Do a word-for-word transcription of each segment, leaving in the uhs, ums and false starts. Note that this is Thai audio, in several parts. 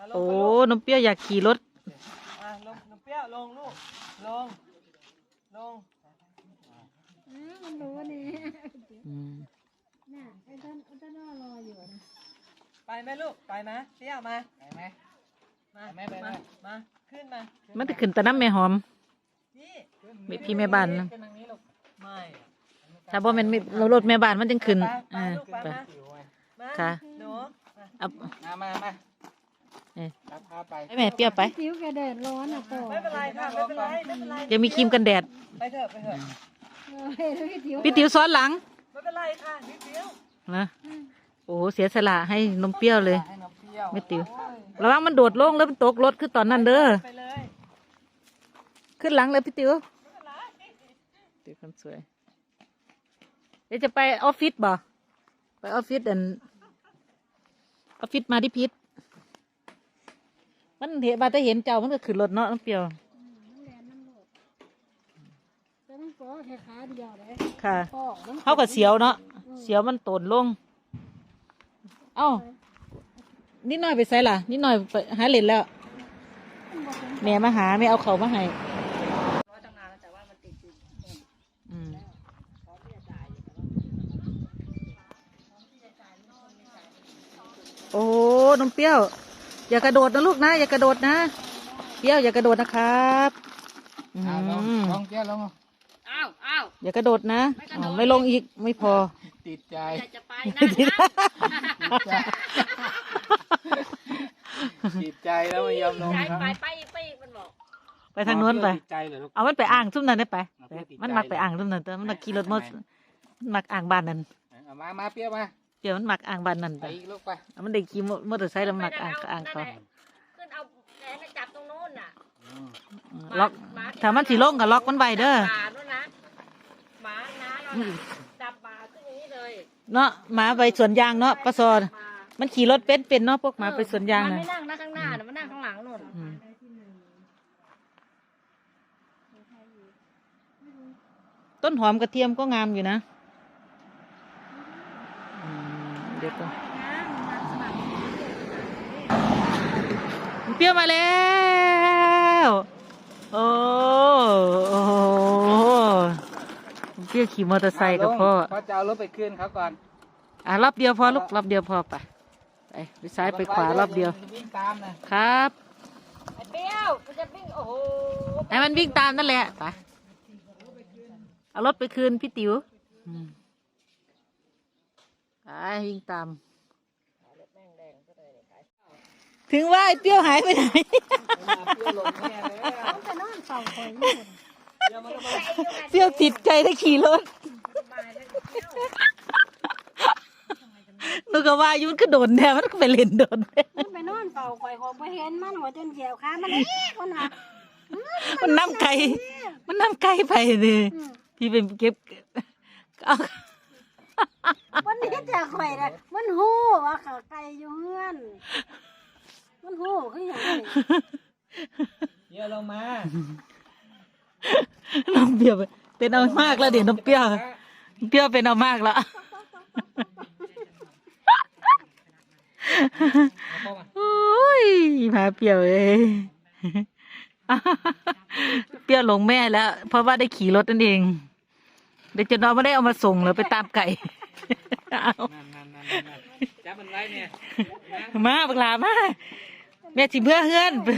โอ้นมเปรี้ยวอยากขี่รถอ่ะลงนมเปรี้ยวลงลูกลงลงมันรู้นี่อืมน่ะไอ้ต้นไอ้ต้นรออยู่นะไปไหมลูกไปไหมเปรี้ยวมาไปไหมมาไปไหมมามาขึ้นมามันจะขึ้นแต่น้ำแม่หอมนี่พี่แม่บ้านนะไม่ถ้าบ่แม่นเรารถแม่บ้านมันจึงขึ้นไปอ่าลูกไปไปมามาค่ะหนูเอามามามาเอ้ยรับพาไปให้แม่เปรี้ยวไปผิวกระเด็ดร้อนอ่ะต่อไม่เป็นไรค่ะไม่เป็นไรไม่เป็นไรยังมีครีมกันแดดไปเถอะไปเถอะเฮ้ยแล้วผิวพี่ติ๋วซ้อนหลังไม่เป็นไรค่ะนิดเดียวนะโอ้เสียสละให้นมเปรี้ยวเลยให้น้ำเปรี้ยวไม่ติ๋วระวังมันโดดลงแล้วมันตกรถคือตอนนั้นเด้อไปเลยขึ้นหลังเลยพี่ติ๋วติ๋วคนสวยเดี๋ยวจะไปออฟฟิศบ่ไปออฟฟิศอันออฟฟิศมาที่พิษมันเห็นมาแต่เห็นเจ้ามันก็ขึ้นรถเนาะน้ำเปรี้ยวแต่มันก็แค่ขาเดียวเลยค่ะพ่อมันเขากับเสียวเนาะเสียวมันโตนลงเอ้านิดหน่อยไปใส่ล่ะนิดหน่อยไปหาเล่นแล้วแม่มาหาไม่เอาเขามาให้อืมโอ้น้องเปรี้ยวอย่ากระโดดนะลูกนะอย่ากระโดดนะเปรี้ยวอย่ากระโดดนะครับอืเอาลงมลงเปรี้ยวลงอ้าวอ้าวอย่ากระโดดนะอ๋อไม่ลงอีกไม่พอติดใจอยากจะไปนะนะติดใจแล้วไม่ยอมลงย้ายครับไปไปอีกไปอีกมันบอกไปทางโน้นไปติดใจเหรอลูกเอามันไปอ่างซุ่มนั้นได้ไปเอาเปรี้ยวติดใจมันมักไปอ่างซุ่มนั้นแต่มันมักขี่รถมอเตอร์มันมักอ่างบ้านนั้นเอามามาเปรี้ยวมาเดี๋ยวมันมักอ่างบ้านนั้นไปไปอีกลูกไปเอามันได้ขี่มอเตอร์ไซค์แล้วมันมักอ่างก็อ่างเขาขึ้นเอาแขนจับตรงโน้นน่ะอืมอืมล็อกถ้ามันสีลงก็ล็อกมันไว้เด้อหมาด้วยนะหมาน้าเราน่ะจับหมาขึ้นอย่างนี้เลยเนาะหมาไปสวนยางเนาะปะซอนมามันขี่รถเป็นเป็นเนาะพวกหมาไปสวนยางมันนะไม่นั่งนะข้างหน้าน่ะมันนั่งข้างหลังนู่นอืมต้นหอมกระเทียมก็งามอยู่นะอืมเดี๋ยวก่อนเปรี้ยวมาแล้วโอ้โอ้เปรี้ยวขี่มอเตอร์ไซค์กับพ่อพ่อจะเอารถไปคืนเขาก่อนอ่ะรอบเดียวพอลูกรอบเดียวพอไปไปไปซ้ายไปขวารอบเดียววิ่งตามนะครับไอ้เปรี้ยวมันจะวิ่งโอ้โหให้มันวิ่งตามนั่นแหละไปเอารถไปคืนพี่ติ๋วอืมไปวิ่งตาม ถึงว่าไอ้เปรี้ยวหายไปไหนเปรี้ยวลงแน่เลยต้องไปนอนเฝ้าคอยอยู่เปรี้ยวติดใจได้ขี่รถนึกว่าอายุมันก็โดนแน่มันก็ไปเล่นโดนมันไปนอนเฝ้าคอยคอยไปเห็นมันหัวจนเขียวขามันเอ๊ะคนน่ะมันน้ำไก่มันน้ำไก่ไปเลยพี่เป็นเก็บเอาวันนี้จะข่อยเลยมันหู้ว่าเขาไก่อยู่เฮือน มันหู้คืออย่างนี้เปรี้ยวลงมาน้องเปรี้ยวเป็นเอามากแล้วเดี๋ยวน้องเปรี้ยวเปรี้ยวเป็นเอามากแล้วเอาเข้ามาโอ้ยพาเปรี้ยวเอ้ยเปรี้ยวหลงแม่แล้ว เพราะว่าได้ขี่รถนั่นเองเดี๋ยวจะน้องไม่ได้เอามาส่งเลยไปตามไก่เอานั่นนั่นนั่นนั่นจับมันไว้เนี่ยนะมาบักหลามาแม่สิเพื่อเฮือนนั่น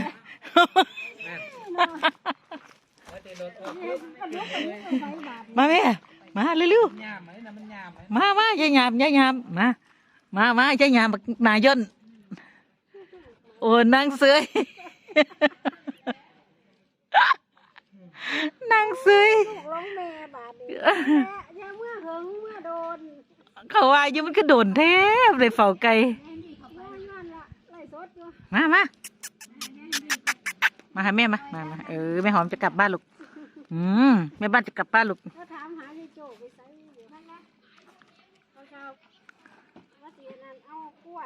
แล้วเดี๋ยวรถออกปุ๊บมาแม่มาเร็วยามไหมนะมันยามไหมๆมามาอย่าหยาบอย่าหยาบมามามาอย่าหยาบบักนายย่นโอ้นางเสย นางเสยลูกร้องแม่บาดนี้แม่อย่าเมื่อหึงเมื่อโดนเขาว่าอยู่มันก็โดนแทบเลยเฝ้าไก่แม่ย้อนละไล่สดอยู่มามามาหาแม่มามามาเออแม่หอมจะกลับบ้านลูกอืมแม่บ้านจะกลับบ้านลูกเขาถามหาที่โจไปใส่อยู่นั่นนะเขาชาวว่าเสียนั่นเอากล้วย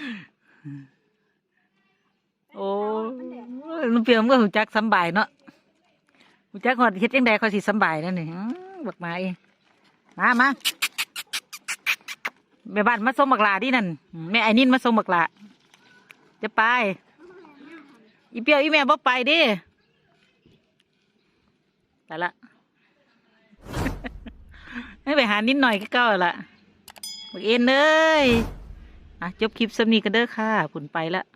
โอ้ลุงเปียมก็หูจักสำบายเนาะหูจักหอดเฮ็ดยังไงเขาสิสำบายนั่นนี่บักมาเองมามาแม่บ้านมาส่งบักลาดินั่นแม่ไอ้นินมาส่งบักลาจะไปอีเปียวอีแม่บ่ไปเดิไปละ ให้ไปหานิดหน่อยก็เก้าละบักเอ็นเลยอ่ะจบคลิปสำนีกันเด้อค่ะผุนไปละ